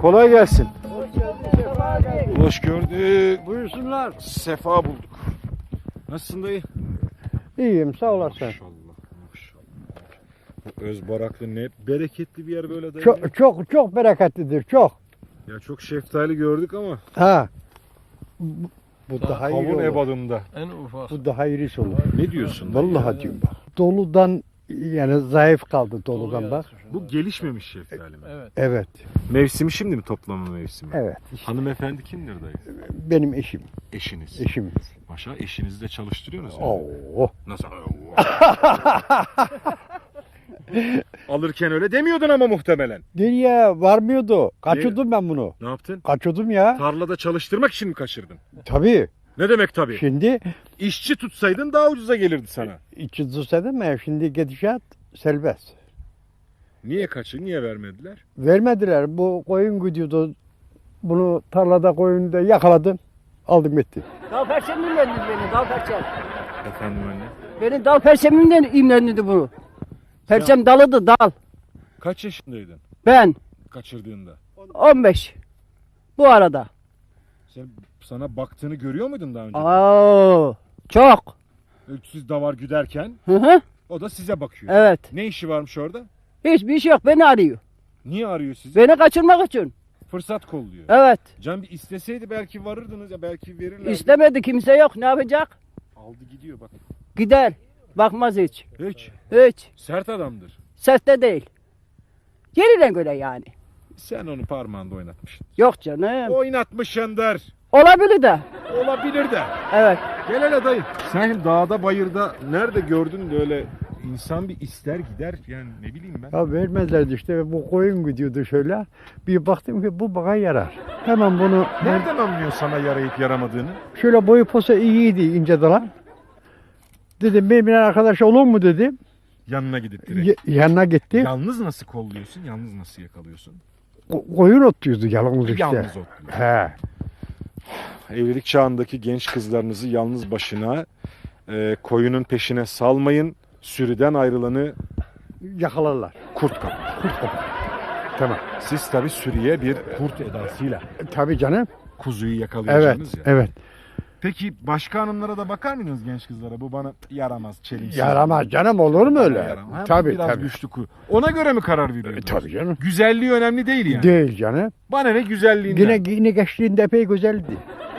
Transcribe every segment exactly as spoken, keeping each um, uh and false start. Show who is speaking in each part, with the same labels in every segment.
Speaker 1: Kolay gelsin.
Speaker 2: Hoş geldin, sefa geldin.
Speaker 1: Hoş gördük.
Speaker 2: Buyursunlar.
Speaker 1: Sefa bulduk. Nasılsın dayı?
Speaker 2: İyiyim, sağ olasın.
Speaker 1: Maşallah. Maşallah. Bu Özbaraklı ne bereketli bir yer böyle dayı.
Speaker 2: Çok çok çok bereketlidir, çok.
Speaker 1: Ya çok şeftali gördük ama.
Speaker 2: Ha. Bu, bu daha iyi
Speaker 1: Kavun
Speaker 2: olur.
Speaker 1: ebadında.
Speaker 3: En ufak.
Speaker 2: Bu daha iyisi olur.
Speaker 1: Ne diyorsun dayı?
Speaker 2: Vallahi diyorum bak. Doludan yani zayıf kaldı doludan bak.
Speaker 1: Bu gelişmemiş şeftali mi?
Speaker 3: Evet.
Speaker 2: Evet.
Speaker 1: Mevsimi şimdi mi, toplama mevsimi?
Speaker 2: Evet.
Speaker 1: Hanımefendi kimdir dayı?
Speaker 2: Benim eşim.
Speaker 1: Eşiniz.
Speaker 2: Eşim.
Speaker 1: Maşallah eşinizi de çalıştırıyorsunuz. yani.
Speaker 2: Oo.
Speaker 1: Nasıl? Alırken öyle demiyordun ama muhtemelen.
Speaker 2: Nereye varmıyordu? Kaçırdım ben bunu.
Speaker 1: Ne yaptın?
Speaker 2: Kaçırdım ya.
Speaker 1: Tarlada çalıştırmak için mi kaçırdın?
Speaker 2: Tabii.
Speaker 1: Ne demek tabii?
Speaker 2: Şimdi
Speaker 1: İşçi tutsaydın daha ucuza gelirdi sana.
Speaker 2: içi dedim ya, şimdi gidişat serbest.
Speaker 1: Niye kaçır? Niye vermediler?
Speaker 2: Vermediler. Bu koyun gidiyordu. Bunu tarlada koyunda yakaladım. Aldım gitti.
Speaker 4: Dal perçemimden beni, dal perçem.
Speaker 1: Efendim anne.
Speaker 4: Beni dal perçemimden imlendirdi bunu. Perçem dalıdı, dal.
Speaker 1: Kaç yaşındaydın
Speaker 4: Ben
Speaker 1: kaçırdığında?
Speaker 4: on beş. Bu arada.
Speaker 1: Sen sana baktığını görüyor muydun daha önce?
Speaker 4: Oo, çok.
Speaker 1: Siz davar güderken
Speaker 4: Hı hı.
Speaker 1: o da size bakıyor.
Speaker 4: Evet.
Speaker 1: Ne işi varmış orada?
Speaker 4: Hiçbir şey yok. Beni arıyor.
Speaker 1: Niye arıyor sizi?
Speaker 4: Beni kaçırmak için.
Speaker 1: Fırsat kolluyor.
Speaker 4: Evet.
Speaker 1: Can bir isteseydi belki varırdınız ya, belki verirlerdi.
Speaker 4: İstemedi, kimse yok. Ne yapacak?
Speaker 1: Aldı gidiyor bak.
Speaker 4: Gider. Bakmaz hiç.
Speaker 1: Hiç.
Speaker 4: Hiç.
Speaker 1: Sert adamdır.
Speaker 4: Seste değil. Yerine göre yani.
Speaker 1: Sen onu parmağında oynatmışsın.
Speaker 4: Yok canım.
Speaker 1: Oynatmışsındır.
Speaker 4: Olabilir de.
Speaker 1: Olabilir de.
Speaker 4: Evet.
Speaker 1: Gel hele dayı. Sen şimdi dağda bayırda nerede gördün de öyle insan bir ister gider yani ne bileyim ben.
Speaker 2: Ya vermezlerdi işte. Bu koyun gidiyordu şöyle. Bir baktım ki bu bana yarar. Hemen bunu
Speaker 1: Nereden anlıyorsun sana yarayıp yaramadığını?
Speaker 2: şöyle boyu posa iyiydi, ince dalan. Dedim benimle arkadaş olur mu dedim.
Speaker 1: Yanına gidip direkt.
Speaker 2: Y- yanına gitti.
Speaker 1: Yalnız nasıl kolluyorsun? Yalnız nasıl yakalıyorsun?
Speaker 2: Ko- koyun otluyordu yalnız işte.
Speaker 1: Yalnız otluyor.
Speaker 2: He.
Speaker 1: Evlilik çağındaki genç kızlarınızı yalnız başına e, koyunun peşine salmayın. Sürüden ayrılanı
Speaker 2: Yakalarlar.
Speaker 1: kurt kapar.
Speaker 2: Tamam.
Speaker 1: Siz tabi sürüye bir kurt edasıyla
Speaker 2: E, tabii canım.
Speaker 1: kuzuyu
Speaker 2: Evet.
Speaker 1: yakalayacaksınız ya.
Speaker 2: Evet.
Speaker 1: Peki başka hanımlara da bakar mıydınız genç kızlara? Bu bana yaramaz, çelimsiz.
Speaker 2: Yaramaz canım, olur mu öyle?
Speaker 1: Yaramaz. Ha, bu
Speaker 2: Tabii
Speaker 1: biraz
Speaker 2: tabii.
Speaker 1: güçlü ku. Ona göre mi karar
Speaker 2: E,
Speaker 1: veriyorsunuz?
Speaker 2: tabii canım.
Speaker 1: Güzelliği önemli değil yani.
Speaker 2: Değil canım.
Speaker 1: Bana ne güzelliğinden.
Speaker 2: Yine yine geçtiğinde epey güzeldi.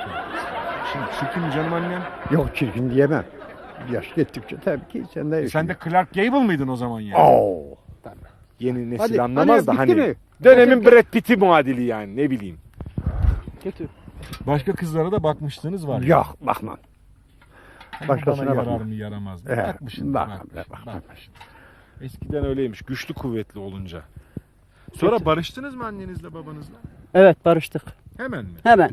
Speaker 1: Şimdi çirkin canım annem.
Speaker 2: Yok, çirkin diyemem. Yaş gittikçe tabii ki sen de.
Speaker 1: E sen de Clark Gable mıydın o zaman yani?
Speaker 2: Oo.
Speaker 1: Yeni nesil
Speaker 2: Hadi,
Speaker 1: anlamaz
Speaker 2: hani
Speaker 1: da
Speaker 2: bitti
Speaker 1: hani.
Speaker 2: mi?
Speaker 1: Dönemin Brad Pitt'i muadili yani ne bileyim.
Speaker 4: Kötü.
Speaker 1: Başka kızlara da bakmıştınız var ya.
Speaker 2: Yok, bakmam.
Speaker 1: Ama
Speaker 2: başkasına
Speaker 1: bana
Speaker 2: bakma.
Speaker 1: yarar mı yaramaz mı?
Speaker 2: Evet,
Speaker 1: Bakmışsın.
Speaker 2: bakmam,
Speaker 1: bakmışsın,
Speaker 2: bakmam.
Speaker 1: bakmışsın. Eskiden öyleymiş. Güçlü kuvvetli olunca. Sonra barıştınız mı annenizle babanızla?
Speaker 4: Evet, barıştık.
Speaker 1: Hemen mi?
Speaker 4: Hemen.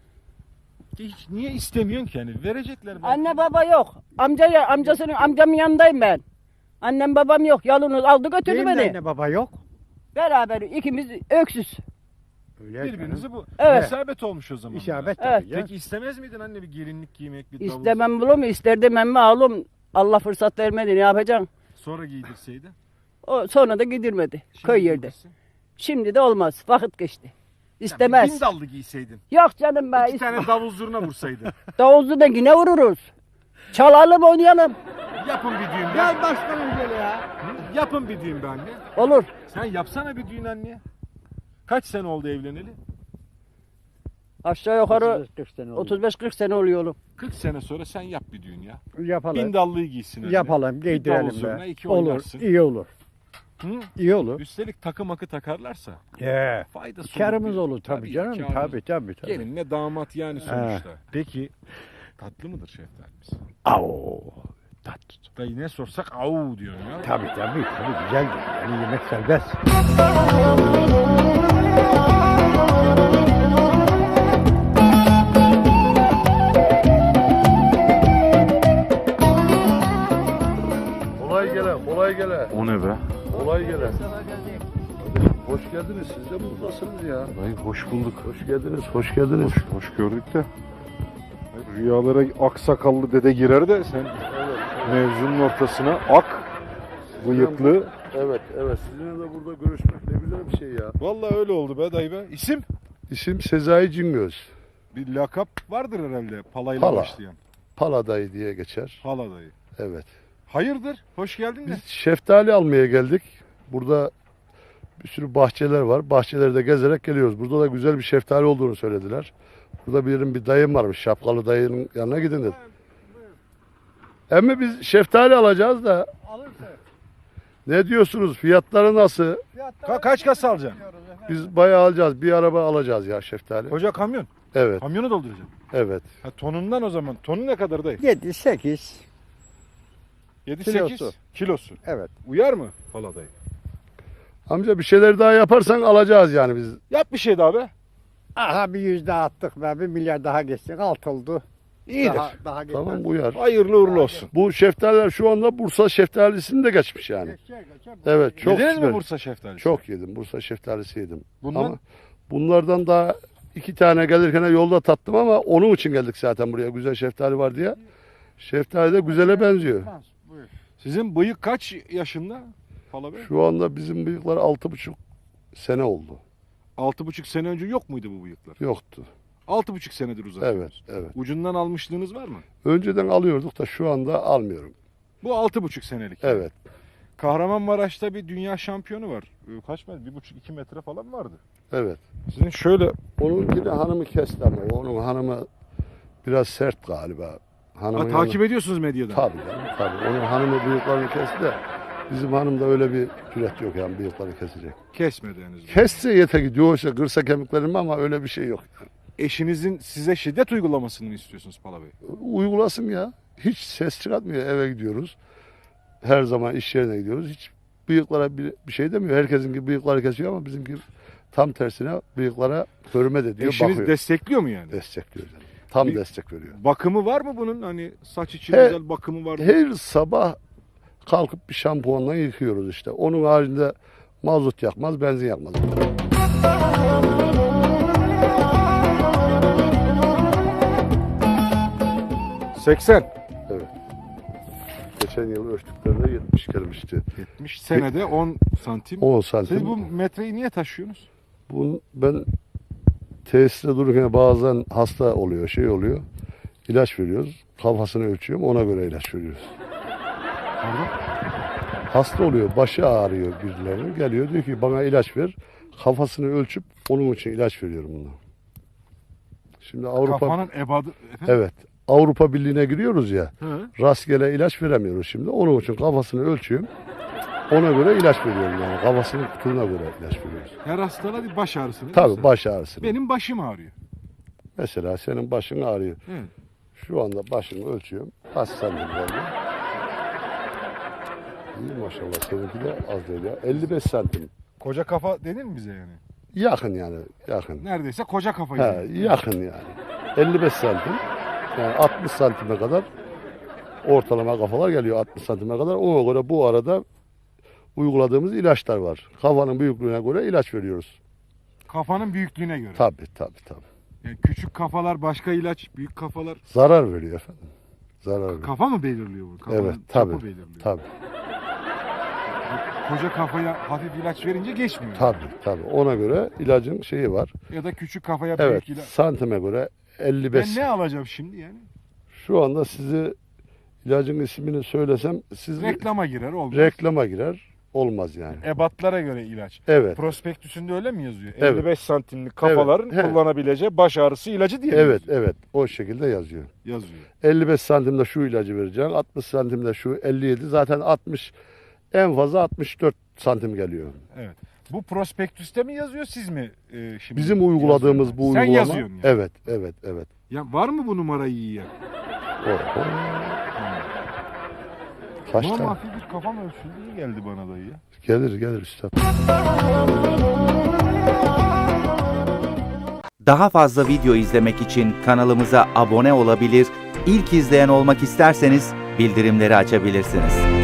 Speaker 1: Hiç niye istemiyorsun ki hani? Verecekler belki.
Speaker 4: Anne baba yok. Amca ya, amcasının amcamın yanındayım ben. Annem babam yok. Yalnız aldı götürdü
Speaker 2: Benim de
Speaker 4: beni.
Speaker 2: anne baba yok.
Speaker 4: Beraber ikimiz öksüz.
Speaker 2: Öyle
Speaker 1: Birbirinizi bu.
Speaker 4: Evet.
Speaker 1: İsabet olmuş o zaman.
Speaker 2: İsabet
Speaker 4: Evet.
Speaker 2: tabii ya.
Speaker 1: Peki istemez miydin anne bir gelinlik giymek, bir davul?
Speaker 4: İstemem bunu mu? İsterdim ama oğlum. Allah fırsat vermedi. Ne yapacaksın?
Speaker 1: Sonra giydirseydi.
Speaker 4: O sonra da gidirmedi.
Speaker 1: Şimdi
Speaker 4: Köy yerde.
Speaker 1: giydirsin.
Speaker 4: Şimdi de olmaz. Vakit geçti.
Speaker 1: Ya
Speaker 4: İstemez.
Speaker 1: bir bin dallı giyseydin.
Speaker 4: Yok canım be.
Speaker 1: İki tane davul zurna vursaydın.
Speaker 4: Davuzlu da yine vururuz. Çalalım, oynayalım.
Speaker 1: Yapın bir düğün be.
Speaker 2: Gel başkanım gel ya.
Speaker 1: Hı? Yapın bir düğün be anne.
Speaker 4: Olur.
Speaker 1: Sen yapsana bir düğün anne. Kaç sene oldu evleneli?
Speaker 4: Aşağı yukarı
Speaker 2: otuz beş kırk sene oldu.
Speaker 4: otuz beş kırk sene oluyor oğlum.
Speaker 1: kırk sene sonra sen yap bir düğün ya.
Speaker 2: Yapalım.
Speaker 1: Bin dallıyı giysin anne.
Speaker 2: Yapalım,
Speaker 1: Bir davul
Speaker 2: giydirelim
Speaker 1: zurna,
Speaker 2: be.
Speaker 1: iki
Speaker 2: Olur,
Speaker 1: oynarsın.
Speaker 2: iyi olur.
Speaker 1: Hı?
Speaker 2: İyi olur.
Speaker 1: Üstelik takı makı takarlarsa
Speaker 2: He.
Speaker 1: faydası
Speaker 2: Karımız
Speaker 1: bir-
Speaker 2: olur tabii, canım.
Speaker 1: karımız.
Speaker 2: Tabii tabii tabii.
Speaker 1: Gelinle damat yani sonuçta. Peki tatlı mıdır şeftalimiz?
Speaker 2: Au. Tat.
Speaker 1: Dayı ne sorsak au diyorsun ya.
Speaker 2: Tabii tabii tabii güzeldir. Yani yemek serbest.
Speaker 3: Kolay gele, kolay gele,
Speaker 1: O ne be?
Speaker 3: kolay gele. Hoş geldiniz, siz de buradasınız ya.
Speaker 1: Dayı hoş bulduk.
Speaker 3: Hoş geldiniz, hoş geldiniz.
Speaker 1: Hoş, hoş gördük de. Rüyalara aksakallı dede girer de sen mevzunun ortasına ak, bıyıklı,
Speaker 3: Evet, evet. Sizinle de burada görüşmek ne güzel bir şey ya.
Speaker 1: Vallahi öyle oldu be dayı be. İsim?
Speaker 3: İsim Sezai Cingöz.
Speaker 1: Bir lakap vardır herhalde palayla
Speaker 3: Pala.
Speaker 1: başlayan.
Speaker 3: Pala dayı diye geçer.
Speaker 1: Pala dayı.
Speaker 3: Evet.
Speaker 1: Hayırdır? Hoş geldin de.
Speaker 3: Biz şeftali almaya geldik. Burada bir sürü bahçeler var. Bahçelerde gezerek geliyoruz. Burada da güzel bir şeftali olduğunu söylediler. Burada birinin bir dayım varmış. Şapkalı dayının yanına gidin dedi. Emmi biz şeftali alacağız da ne diyorsunuz? Fiyatları nasıl?
Speaker 1: Ka- kaç kasa alacaksın?
Speaker 3: Biz bayağı alacağız. Bir araba alacağız ya şeftali.
Speaker 1: Koca kamyon.
Speaker 3: Evet,
Speaker 1: Kamyonu dolduracaksın.
Speaker 3: evet.
Speaker 1: Ha, tonundan o zaman. Tonu ne kadar dayı?
Speaker 2: yedi sekiz.
Speaker 1: yedi
Speaker 2: Kilosu.
Speaker 1: sekiz kilosu.
Speaker 2: Evet.
Speaker 1: Uyar mı pala dayı?
Speaker 3: Amca bir şeyler daha yaparsan alacağız yani biz.
Speaker 1: Yap bir şey daha be.
Speaker 2: Aha bir yüz daha attık be. Bir milyar daha geçsek alt oldu.
Speaker 1: İyidir.
Speaker 2: Daha, daha geçmez.
Speaker 3: Tamam uyar.
Speaker 1: Hayırlı uğurlu olsun.
Speaker 3: Bu şeftaliler şu anda Bursa şeftalisini de geçmiş yani.
Speaker 2: Geçer, geçer.
Speaker 3: Evet çok
Speaker 1: Yediniz
Speaker 3: süper.
Speaker 1: mi Bursa şeftalisi?
Speaker 3: Çok yedim. Bursa şeftalisi yedim.
Speaker 1: Bundan?
Speaker 3: Ama bunlardan daha iki tane gelirken yolda tattım ama onun için geldik zaten buraya. Güzel şeftali var diye. Şeftali de güzele benziyor.
Speaker 2: Buyur.
Speaker 1: Sizin bıyık kaç yaşında Pala Bey?
Speaker 3: Şu anda bizim bıyıklar altı buçuk sene oldu.
Speaker 1: Altı buçuk sene önce yok muydu bu bıyıklar?
Speaker 3: Yoktu.
Speaker 1: Altı buçuk senedir uzatıyoruz.
Speaker 3: Evet, evet.
Speaker 1: Ucundan almışlığınız var mı?
Speaker 3: Önceden alıyorduk da şu anda almıyorum.
Speaker 1: Bu altı buçuk senelik.
Speaker 3: Evet.
Speaker 1: Kahramanmaraş'ta bir dünya şampiyonu var. Ee, Kaç metre? Bir buçuk iki metre falan vardı.
Speaker 3: Evet.
Speaker 1: Sizin şöyle
Speaker 3: Onun yine hanımı kesti ama onun hanımı biraz sert galiba. Hanımı
Speaker 1: ha, takip ediyorsunuz medyadan.
Speaker 3: Tabii canım, tabii. Onun hanımı bıyıklarını kesti de bizim hanımda öyle bir cüret yok yani bıyıkları kesecek.
Speaker 1: Kesmedi henüz.
Speaker 3: Kesse yete gidiyor işte kırsa kemiklerimi ama öyle bir şey yok.
Speaker 1: Eşinizin size şiddet uygulamasını mı istiyorsunuz Pala Bey?
Speaker 3: Uygulasın ya. Hiç ses çıkartmıyor. Eve gidiyoruz. Her zaman iş yerine gidiyoruz. Hiç bıyıklara bir, bir şey demiyor. Herkesin gibi bıyıkları kesiyor ama bizimki tam tersine bıyıklara hürmet ediyor.
Speaker 1: Eşiniz
Speaker 3: bakıyor.
Speaker 1: destekliyor mu yani?
Speaker 3: Destekliyor canım. Tam
Speaker 1: Bir-
Speaker 3: destek veriyor.
Speaker 1: Bakımı var mı bunun? Hani saç için
Speaker 3: He-
Speaker 1: özel bakımı var mı?
Speaker 3: Her sabah kalkıp bir şampuanla yıkıyoruz işte. Onun haricinde mazot yakmaz, benzin yakmaz.
Speaker 1: seksen.
Speaker 3: Evet. Geçen yıl ölçtüklerinde yetmiş gelmişti.
Speaker 1: yetmiş senede on santim.
Speaker 3: on santim.
Speaker 1: Siz bu metreyi niye taşıyorsunuz?
Speaker 3: Bunu ben tesiste dururken bazen hasta oluyor, şey oluyor. İlaç veriyoruz. Kafasını ölçüyorum, ona göre ilaç veriyoruz.
Speaker 1: Pardon?
Speaker 3: Hasta oluyor, başı ağrıyor birilerinin. Geliyor diyor ki bana ilaç ver. Kafasını ölçüp onun için ilaç veriyorum buna. Şimdi Avrupa
Speaker 1: Kafanın ebadı... Efendim?
Speaker 3: evet. Avrupa Birliği'ne giriyoruz ya.
Speaker 1: Hı.
Speaker 3: Rastgele ilaç veremiyoruz şimdi. Onun için kafasını ölçüyorum. Ona göre ilaç veriyorum yani. Kafasının kutuğuna göre ilaç veriyoruz.
Speaker 1: Her hastalığa bir baş ağrısı. ne
Speaker 3: Tabii
Speaker 1: diyorsun?
Speaker 3: baş ağrısı.
Speaker 1: Benim başım ağrıyor.
Speaker 3: Mesela senin başın ağrıyor.
Speaker 1: Evet.
Speaker 3: Şu anda başını ölçüyorum. Kaç santim geldi? İyi maşallah seninki de az değil ya. elli beş santim.
Speaker 1: Koca kafa denir mi bize yani?
Speaker 3: Yakın yani yakın.
Speaker 1: Neredeyse koca kafa
Speaker 3: Ha,
Speaker 1: yani.
Speaker 3: yakın yani. elli beş santim. Yani altmış santime kadar ortalama kafalar geliyor altmış santime kadar. Ona göre bu arada uyguladığımız ilaçlar var. Kafanın büyüklüğüne göre ilaç veriyoruz.
Speaker 1: Kafanın büyüklüğüne göre.
Speaker 3: Tabii tabii tabii.
Speaker 1: Yani küçük kafalar başka ilaç, büyük kafalar...
Speaker 3: Zarar veriyor efendim. Zarar veriyor.
Speaker 1: Kafa mı belirliyor bu? Kafanın
Speaker 3: Evet
Speaker 1: çapı
Speaker 3: tabii.
Speaker 1: belirliyor.
Speaker 3: Tabii
Speaker 1: Koca kafaya hafif ilaç verince geçmiyor.
Speaker 3: tabii tabii. Ona göre ilacın şeyi var.
Speaker 1: Ya da küçük kafaya
Speaker 3: Evet,
Speaker 1: büyük ilaç.
Speaker 3: santime göre elli beş.
Speaker 1: Ben ne alacağım şimdi yani?
Speaker 3: Şu anda size ilacın ismini söylesem siz
Speaker 1: Reklama girer olmaz.
Speaker 3: reklama girer. Olmaz yani.
Speaker 1: Ebatlara göre ilaç.
Speaker 3: Evet.
Speaker 1: Prospektüsünde öyle mi yazıyor?
Speaker 3: Evet.
Speaker 1: elli beş santimlik kafaların
Speaker 3: Evet, he.
Speaker 1: kullanabileceği baş ağrısı ilacı diye mi
Speaker 3: Evet,
Speaker 1: yazıyor?
Speaker 3: evet. O şekilde yazıyor.
Speaker 1: Yazıyor.
Speaker 3: elli beş santimde şu ilacı vereceksin. altmış santimde şu elli yedi. Zaten altmış en fazla altmış dört santim geliyor.
Speaker 1: Evet. Bu prospektüste mi yazıyor siz mi e, şimdi?
Speaker 3: Bizim uyguladığımız bu
Speaker 1: Sen
Speaker 3: uygulama.
Speaker 1: yazıyorsun yani.
Speaker 3: Evet, evet, evet.
Speaker 1: Ya var mı bu numarayı yiyen?
Speaker 3: O, o. Kaç
Speaker 1: Ama
Speaker 3: tane?
Speaker 1: hafif bir kafam ölçüldü iyi geldi bana dayı ya.
Speaker 3: Gelir, gelir üstad.
Speaker 5: Daha fazla video izlemek için kanalımıza abone olabilir, ilk izleyen olmak isterseniz bildirimleri açabilirsiniz.